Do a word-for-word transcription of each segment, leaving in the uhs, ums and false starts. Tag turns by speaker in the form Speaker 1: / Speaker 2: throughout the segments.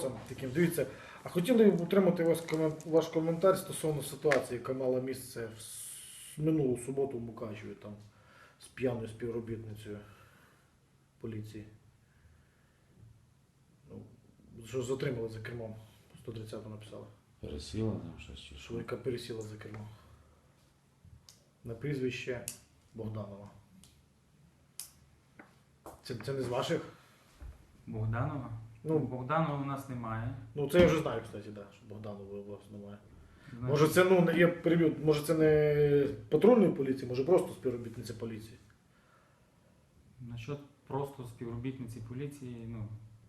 Speaker 1: вопросам таким. Дивіться, а хотіли б отримати ваш комен- ваш коментар стосовно ситуації, яка мала місце в с- минулу суботу в Мукачеві, там, з п'яною співробітницею поліції. Ну, що затримали за кермом, сто тридцяту написали,
Speaker 2: Пересіла там щось чи
Speaker 1: що
Speaker 2: що?
Speaker 1: яка пересіла за кермо. На прізвище Богданова. Це, це не з ваших?
Speaker 3: Богданова?
Speaker 1: Ну.
Speaker 3: Ну, Богданова у нас немає.
Speaker 1: Ну, це я вже знаю, кстати, да, що Богданова у вас немає.
Speaker 3: Значить,
Speaker 1: Може це, ну, не- я переб'ю, може це не патрульної поліції, може просто співробітниця поліції.
Speaker 3: насчет просто співробітниці поліції, ну.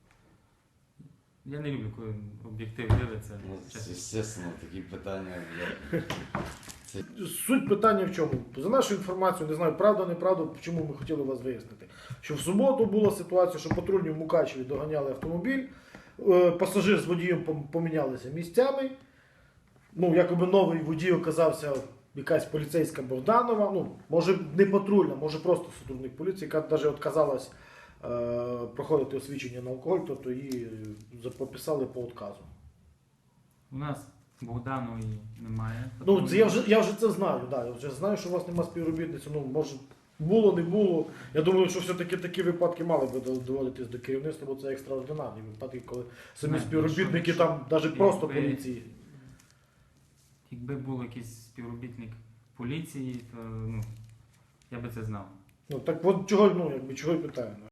Speaker 3: Я не люблю, коли об'єктив дивиться.
Speaker 2: Ну,
Speaker 3: чесно.
Speaker 2: звісно, такі питання. я-
Speaker 1: Суть питання в чому? За нашу інформацію, не знаю, правда, неправда, чому ми хотіли вас вияснити. Що в суботу була ситуація, що патрульні в Мукачеві доганяли автомобіль, е, пасажир з водієм пом- помінялися місцями. Ну, якоби новий водій оказався якась поліцейська Богданова, ну, може не патрульна, може просто сотрудник поліції, яка навіть відказалась е, проходити освідчення на алкоголь, тобто її за- пописали по відказу.
Speaker 3: У нас Богданової немає.
Speaker 1: Ну, це я вже, я вже це знаю, да, я вже знаю, що у вас немає співробітниці, ну, може, було, не було. Я думаю, що все-таки такі випадки мали би доводитись до керівництва, бо це екстраординарні випадки, коли самі
Speaker 3: Не,
Speaker 1: співробітники
Speaker 3: якщо-
Speaker 1: там, навіть просто
Speaker 3: якби-
Speaker 1: поліції.
Speaker 3: Якби був якийсь співробітник поліції, то ну, я би це знав.
Speaker 1: Ну, так от чого, ну, якби, чого й питаю.